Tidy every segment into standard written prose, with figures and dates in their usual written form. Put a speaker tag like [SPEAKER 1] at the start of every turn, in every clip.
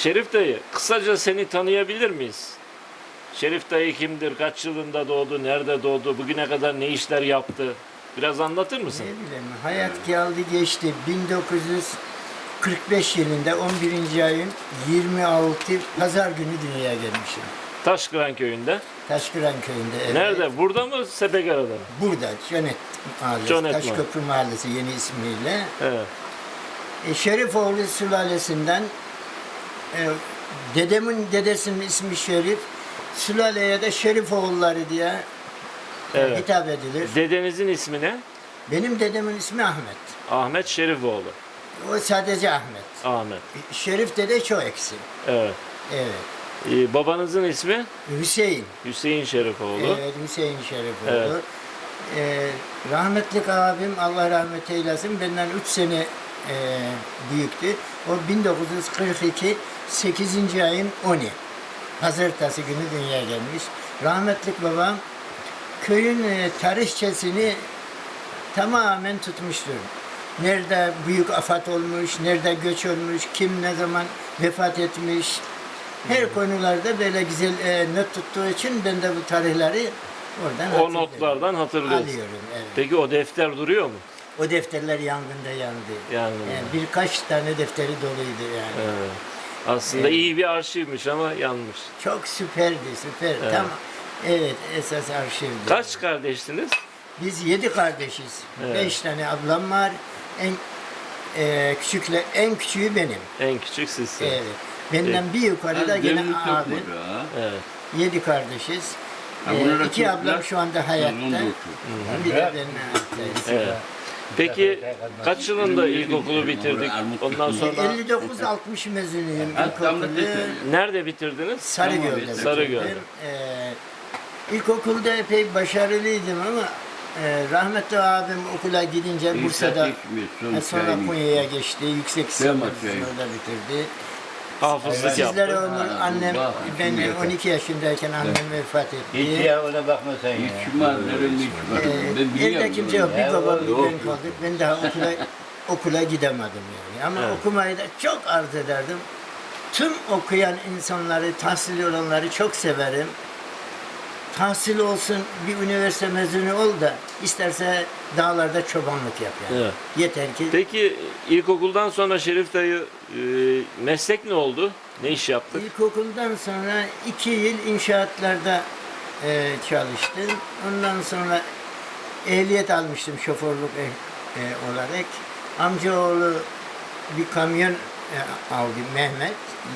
[SPEAKER 1] Şerif dayı, kısaca seni tanıyabilir miyiz? Şerif dayı kimdir? Kaç yılında doğdu? Nerede doğdu? Bugüne kadar ne işler yaptı? Biraz anlatır mısın?
[SPEAKER 2] Ne bileyim, hayat geldi geçti. 1945 yılında 11. ayın 26 Pazar günü dünyaya gelmişim.
[SPEAKER 1] Taşkıran köyünde.
[SPEAKER 2] Taşkıran köyünde. Evet.
[SPEAKER 1] Nerede? Burada mı? Sepekara'da mı?
[SPEAKER 2] Burada, Conet Mahallesi,
[SPEAKER 1] Conet
[SPEAKER 2] Taşköprü Mahallesi yeni ismiyle.
[SPEAKER 1] Evet.
[SPEAKER 2] Şerifoğlu sülalesinden dedemin dedesinin ismi Şerif, sülaleye de Şerifoğulları diye
[SPEAKER 1] Evet.
[SPEAKER 2] hitap edilir.
[SPEAKER 1] Dedenizin ismi ne?
[SPEAKER 2] Benim dedemin ismi Ahmet.
[SPEAKER 1] Ahmet Şerifoğlu.
[SPEAKER 2] O sadece Ahmet.
[SPEAKER 1] Ahmet.
[SPEAKER 2] Şerif dede çok eksi.
[SPEAKER 1] Evet.
[SPEAKER 2] Evet.
[SPEAKER 1] Babanızın ismi?
[SPEAKER 2] Hüseyin.
[SPEAKER 1] Hüseyin Şerifoğlu.
[SPEAKER 2] Evet, Hüseyin Şerifoğlu.
[SPEAKER 1] Evet.
[SPEAKER 2] Rahmetlik abim, Allah rahmet eylesin, benden 3 sene büyüktü. O 1942 8. ayın 10'u. Pazartesi günü dünyaya gelmiş. Rahmetlik babam köyün tarihçesini tamamen tutmuştur. Nerede büyük afet olmuş, nerede göç olmuş, kim ne zaman vefat etmiş. Her konularda böyle güzel not tuttuğu için ben de bu tarihleri oradan
[SPEAKER 1] O
[SPEAKER 2] hatırlıyorum.
[SPEAKER 1] notlardan hatırlıyorsun.
[SPEAKER 2] Alıyorum, evet.
[SPEAKER 1] Peki o defter duruyor mu?
[SPEAKER 2] O defterler yangında yandı.
[SPEAKER 1] Yangında.
[SPEAKER 2] Yani birkaç tane defteri doluydu yani.
[SPEAKER 1] Evet. Aslında iyi bir arşivmiş ama yanmış.
[SPEAKER 2] Çok süperdi, süper.
[SPEAKER 1] Evet.
[SPEAKER 2] Tam evet, esas arşivdi.
[SPEAKER 1] Kaç kardeştiniz?
[SPEAKER 2] Biz 7 kardeşiz.
[SPEAKER 1] Evet.
[SPEAKER 2] 5 tane ablam var. En küçüğü benim.
[SPEAKER 1] En küçük sizsin.
[SPEAKER 2] Evet. Benden bir yukarıda gene abim.
[SPEAKER 1] Evet.
[SPEAKER 2] 7 kardeşiz.
[SPEAKER 3] Ha, bunlara
[SPEAKER 2] 2 ablam
[SPEAKER 3] çocuklar,
[SPEAKER 2] şu anda hayatta.
[SPEAKER 3] uzun dursun.
[SPEAKER 2] Bir de ben hayattayım.
[SPEAKER 1] Evet. Peki kaç yılında ilkokulu bitirdik? Ondan sonra
[SPEAKER 2] 59-60 mezunuyum
[SPEAKER 3] Ha, tam da
[SPEAKER 2] ilkokulu.
[SPEAKER 1] nerede bitirdiniz?
[SPEAKER 2] Sarıgöl'de.
[SPEAKER 1] Sarıgöl'de.
[SPEAKER 2] bitirdim. İlkokulda epey başarılıydım ama rahmetli abim okula gidince Bursa'da sonra Konya'ya geçti. Yüksek lisans orada bitirdi.
[SPEAKER 1] Hafızlık
[SPEAKER 2] Sizlere
[SPEAKER 1] yaptı.
[SPEAKER 2] ömür annem, ben 12 yaşındayken annem vefat
[SPEAKER 4] Hiç
[SPEAKER 2] etti.
[SPEAKER 4] ya ona bakma sen ya.
[SPEAKER 2] Evde kimse yok. Bir babam bir
[SPEAKER 3] Yok.
[SPEAKER 2] ben kaldık. Ben daha okula gidemedim yani. Ama
[SPEAKER 1] Evet.
[SPEAKER 2] okumayı da çok arzu ederdim. Tüm okuyan insanları, tahsil olanları çok severim. Tahsil olsun, bir üniversite mezunu ol da isterse dağlarda çobanlık yap yani.
[SPEAKER 1] Evet.
[SPEAKER 2] Yeter ki
[SPEAKER 1] Peki ilkokuldan sonra Şerif dayı meslek ne oldu? Ne iş yaptık?
[SPEAKER 2] İlkokuldan sonra 2 yıl inşaatlarda çalıştım. Ondan sonra ehliyet almıştım şoförlük olarak. Amcaoğlu bir kamyon aldı, Mehmet.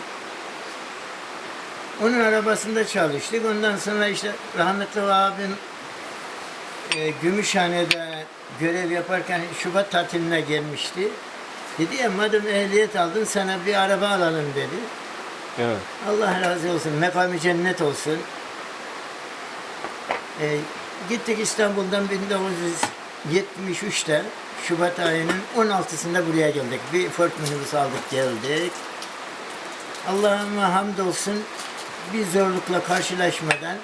[SPEAKER 2] Onun arabasında çalıştık. Ondan sonra işte rahmetli abim Gümüşhane'de görev yaparken Şubat tatiline gelmişti. Dedi ya madem ehliyet aldın sana bir araba alalım dedi.
[SPEAKER 1] Evet.
[SPEAKER 2] Allah razı olsun, mekamı cennet olsun. Gittik İstanbul'dan 1973'te Şubat ayının 16'sında buraya geldik. Bir Ford minibüs aldık geldik. Allah'ıma hamdolsun bir zorlukla karşılaşmadan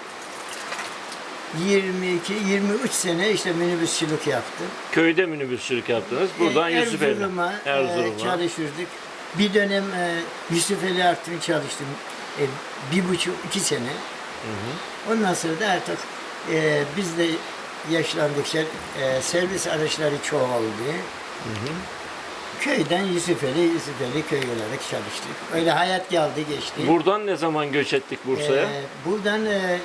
[SPEAKER 2] 22-23 sene işte minibüsçülük yaptım.
[SPEAKER 1] Köyde minibüsçülük yaptınız. Buradan Yusufeli.
[SPEAKER 2] Erzurum'a çalışırdık. Bir dönem Yusufeli Artvin çalıştım. 1,5-2 sene. Ondan sonra da artık biz de yaşlandıkça servis araçları çoğaldı. Köyden Yusufeli köy olarak çalıştık. Öyle hayat geldi geçti.
[SPEAKER 1] Buradan ne zaman göç ettik Bursa'ya?
[SPEAKER 2] Buradan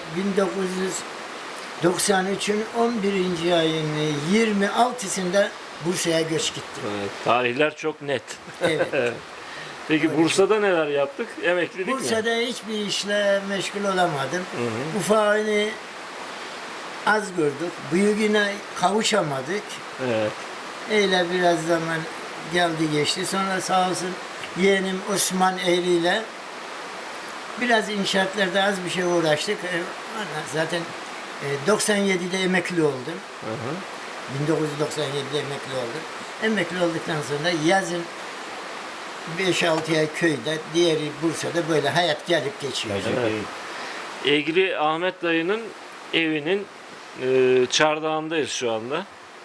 [SPEAKER 2] 1993'ün 11. ayın 26'sında Bursa'ya göç gittim.
[SPEAKER 1] Evet, tarihler çok net.
[SPEAKER 2] Evet.
[SPEAKER 1] Peki Bursa'da neler yaptık? Emeklilik mi?
[SPEAKER 2] Bursa'da hiçbir işle meşgul olamadım. Ufağını az gördük. Büyüğüne kavuşamadık.
[SPEAKER 1] Evet.
[SPEAKER 2] Öyle biraz zaman geldi geçti. Sonra sağ olsun yeğenim Osman Eğri ile biraz inşaatlarda az bir şey uğraştık. Zaten 97'de emekli oldum. 1997'de emekli oldum. Emekli olduktan sonra yazın 5-6 ay köyde, diğeri Bursa'da böyle hayat gelip geçiyor.
[SPEAKER 1] Evet. Egri Ahmet dayının evinin çardağındayız şu anda.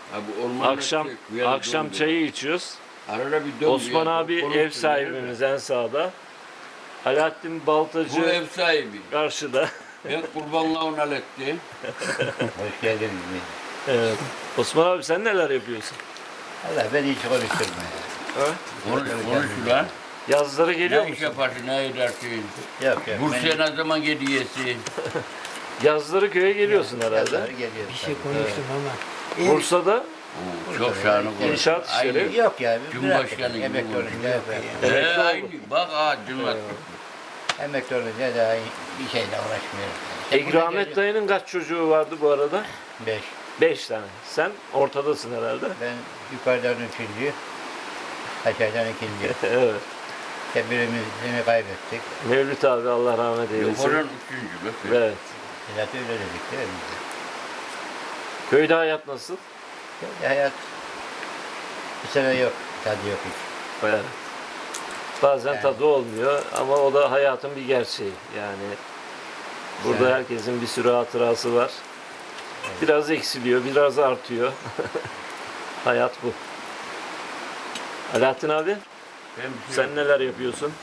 [SPEAKER 1] Akşam çayı içiyoruz. Osman abi ev sahibimiz en sağda. Alaaddin
[SPEAKER 3] Bu
[SPEAKER 1] Baltacı
[SPEAKER 3] ev sahibi.
[SPEAKER 1] karşıda.
[SPEAKER 3] Ben kurbanlığa naletti.
[SPEAKER 4] Hoş geldiniz.
[SPEAKER 1] Evet. Osman abi sen neler yapıyorsun?
[SPEAKER 4] Allah beni hiç konuşturma ya.
[SPEAKER 3] Konuş ulan.
[SPEAKER 1] Yazları geliyor
[SPEAKER 3] Ne iş
[SPEAKER 1] musun?
[SPEAKER 3] yaparsın, ne edersin?
[SPEAKER 4] Yok yok.
[SPEAKER 3] Bursa'ya ne zaman gidiyorsun?
[SPEAKER 1] Yazları köye geliyorsun herhalde.
[SPEAKER 4] Geliyor.
[SPEAKER 2] Bir şey konuştum ama.
[SPEAKER 1] Bursa'da
[SPEAKER 3] Oo, çok şahane konuş.
[SPEAKER 1] İnşaat işleri.
[SPEAKER 3] Aynı.
[SPEAKER 4] Yok ya.
[SPEAKER 3] Cumhurbaşkanı gibi
[SPEAKER 4] Emekli
[SPEAKER 3] oldu.
[SPEAKER 4] olunca
[SPEAKER 1] Emekli oldu.
[SPEAKER 3] Aynı. Bak ha cıllat.
[SPEAKER 4] emekli olunca daha bir şeyle uğraşmıyorum.
[SPEAKER 1] İgramet dayının kaç çocuğu vardı bu arada?
[SPEAKER 4] 5.
[SPEAKER 1] 5 tane. Sen ortadasın herhalde.
[SPEAKER 4] Ben yukarıdan 3. Aşağıdan 2.
[SPEAKER 1] Evet.
[SPEAKER 4] Birimizi kaybettik.
[SPEAKER 1] Mevlüt abi Allah rahmet eylesin.
[SPEAKER 3] Yukarıdan 3. bak.
[SPEAKER 1] Evet.
[SPEAKER 4] Zaten öyle dedik değil mi?
[SPEAKER 1] Köyde hayat nasıl?
[SPEAKER 4] Böyle hayat bu sene yok. Tadı yok hiç.
[SPEAKER 1] Evet. Bazen
[SPEAKER 4] Yani.
[SPEAKER 1] tadı olmuyor ama o da hayatın bir gerçeği. Yani burada
[SPEAKER 4] Yani.
[SPEAKER 1] herkesin bir sürü hatırası var. Biraz eksiliyor, biraz artıyor. Hayat bu. Alaaddin abi, sen neler yapıyorsun?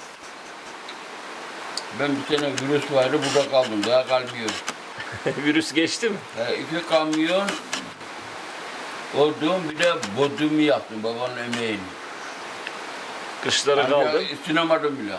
[SPEAKER 3] Ben bir sene virüs vardı, burada kaldım. Daha kalmıyorum.
[SPEAKER 1] Virüs geçti mi?
[SPEAKER 3] 2 kamyon odun, bir de bodumu yaptım babanın emeğini.
[SPEAKER 1] Kışlara
[SPEAKER 3] Ancak
[SPEAKER 1] kaldın.
[SPEAKER 3] ısınamadım bile.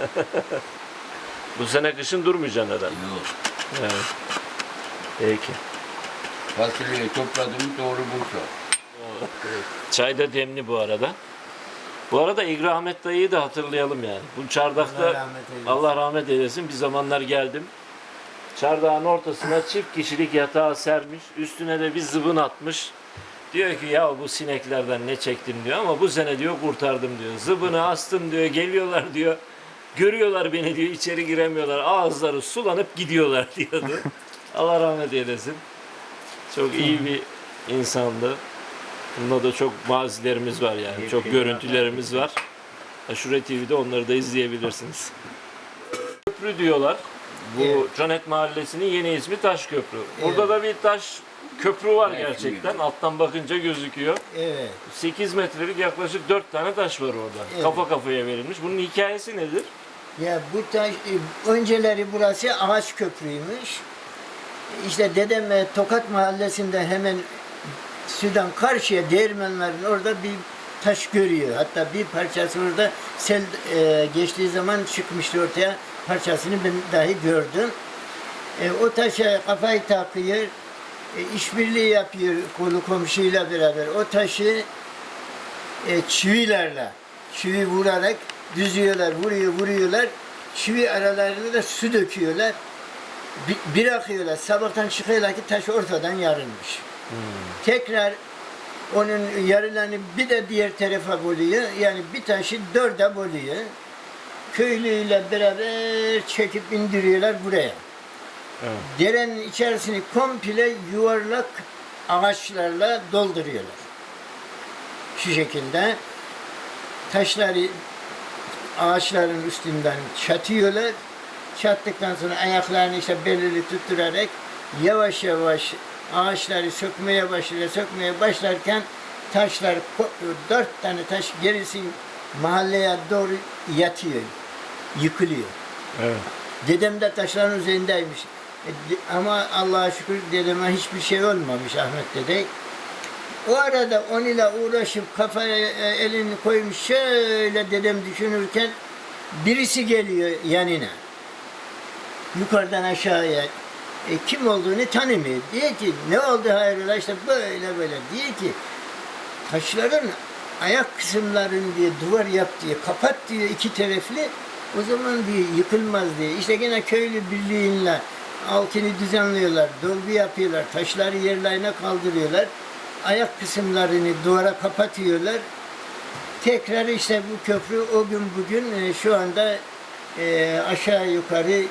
[SPEAKER 1] Bu sene kışın durmayacaksın herhalde.
[SPEAKER 3] Yok.
[SPEAKER 1] Evet. Peki.
[SPEAKER 3] Fasulyeyi topladım, doğru Bursa.
[SPEAKER 1] Çay da demli bu arada. Bu arada İgramet dayıyı da hatırlayalım yani. Bu çardakta
[SPEAKER 2] Allah rahmet eylesin.
[SPEAKER 1] Allah rahmet eylesin. Bir zamanlar geldim. Çardağın ortasına çift kişilik yatağı sermiş. Üstüne de bir zıbın atmış. Diyor ki ya bu sineklerden ne çektim diyor ama bu sene diyor kurtardım diyor. Zıbını astım diyor. Geliyorlar diyor. Görüyorlar beni diyor. İçeri giremiyorlar. Ağızları sulanıp gidiyorlar diyordu. Allah rahmet eylesin. Çok iyi bir insandı. Bunda da çok mazilerimiz var yani. Çok görüntülerimiz var. Aşure TV'de onları da izleyebilirsiniz. Köprü diyorlar. Bu
[SPEAKER 2] Evet.
[SPEAKER 1] Canet Mahallesi'nin yeni ismi Taşköprü. Burada da bir taş köprü var
[SPEAKER 3] Evet,
[SPEAKER 1] gerçekten. Alttan bakınca gözüküyor.
[SPEAKER 2] Evet.
[SPEAKER 1] 8 metrelik yaklaşık 4 tane taş var orada.
[SPEAKER 2] Evet.
[SPEAKER 1] Kafa kafaya verilmiş. Bunun hikayesi nedir?
[SPEAKER 2] Ya bu taş, önceleri burası ağaç köprüymüş. İşte dedem Tokat Mahallesi'nde hemen sudan karşıya değirmenlerin orada bir taş görüyor. Hatta bir parçası orada sel geçtiği zaman çıkmıştı ortaya. Parçasını ben dahi gördüm. O taşa kafayı takıyor. İşbirliği yapıyor kolu komşuyla beraber. O taşı çivi vurarak düzüyorlar, vuruyorlar. Çivi aralarında da su döküyorlar. Bırakıyorlar. Sabahtan çıkıyorlar ki taş ortadan yarılmış. Tekrar onun yarılarını bir de diğer tarafa bölüyor. Yani bir taşı 4'e bölüyor. Köylüyle beraber çekip indiriyorlar buraya.
[SPEAKER 1] Evet.
[SPEAKER 2] Derenin içerisini komple yuvarlak ağaçlarla dolduruyorlar. Şu şekilde taşları ağaçların üstünden çatıyorlar. Çattıktan sonra ayaklarını işte belirli tutturarak yavaş yavaş ağaçları sökmeye başlarken taşlar 4 tane taş gerisi mahalleye doğru yatıyor, yıkılıyor.
[SPEAKER 1] Evet.
[SPEAKER 2] Dedem de taşların üzerindeymiş. Ama Allah'a şükür dedeme hiçbir şey olmamış Ahmet dede. O arada onunla uğraşıp kafaya elini koymuş şöyle dedem düşünürken birisi geliyor yanına. Yukarıdan aşağıya. Kim olduğunu tanımıyor. Diyor ki ne oldu hayrola işte böyle diyor ki taşların ayak kısımlarını diye duvar yap diye kapat diyor 2 taraflı. O zaman diyor yıkılmaz diye. İşte gene köylü birliğinle altını düzenliyorlar, dolgu yapıyorlar, taşları yerlerine kaldırıyorlar. Ayak kısımlarını duvara kapatıyorlar. Tekrar işte bu köprü o gün bugün şu anda aşağı yukarı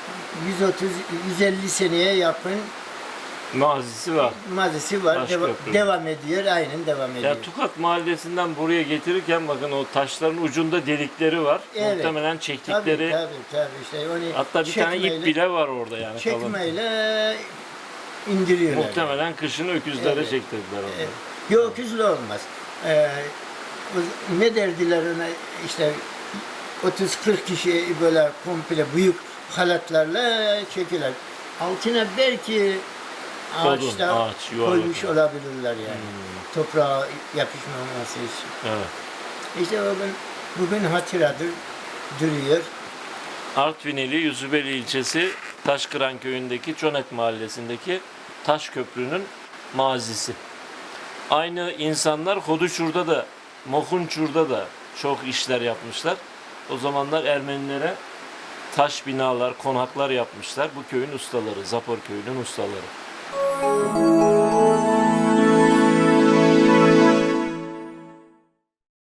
[SPEAKER 2] 130-150 seneye yakın
[SPEAKER 1] Mazisi var.
[SPEAKER 2] mazisi var.
[SPEAKER 1] Taş köprü.
[SPEAKER 2] Devam ediyor. Aynen devam ediyor.
[SPEAKER 1] Ya Tokat Mahallesi'nden buraya getirirken bakın o taşların ucunda delikleri var.
[SPEAKER 2] Evet.
[SPEAKER 1] Muhtemelen çektikleri.
[SPEAKER 2] Tabii işte onu
[SPEAKER 1] Hatta bir tane ip bile var orada yani kalın.
[SPEAKER 2] çekmeyle indiriyorlar.
[SPEAKER 1] Muhtemelen kışını öküzlere
[SPEAKER 2] Evet.
[SPEAKER 1] çektirdiler onu.
[SPEAKER 2] Yok öküzlü olmaz. Ne derdiler ona işte 30-40 kişi böyle komple büyük halatlarla çekiler. Altına belki
[SPEAKER 1] Odun,
[SPEAKER 2] ağaçta
[SPEAKER 1] ağaç, yuvarlak
[SPEAKER 2] koymuş
[SPEAKER 1] ağaç.
[SPEAKER 2] olabilirler yani. Toprağa yapışmaması için.
[SPEAKER 1] Evet.
[SPEAKER 2] İşte bugün hatıradır, duruyor.
[SPEAKER 1] Artvinili Yüzübeli ilçesi Taşkıran köyündeki Çonek mahallesindeki taş köprünün mazisi. Aynı insanlar Hoduşur'da da, Mokunçur'da da çok işler yapmışlar. O zamanlar Ermenilere taş binalar, konaklar yapmışlar. Bu köyün ustaları, Zapor köyünün ustaları.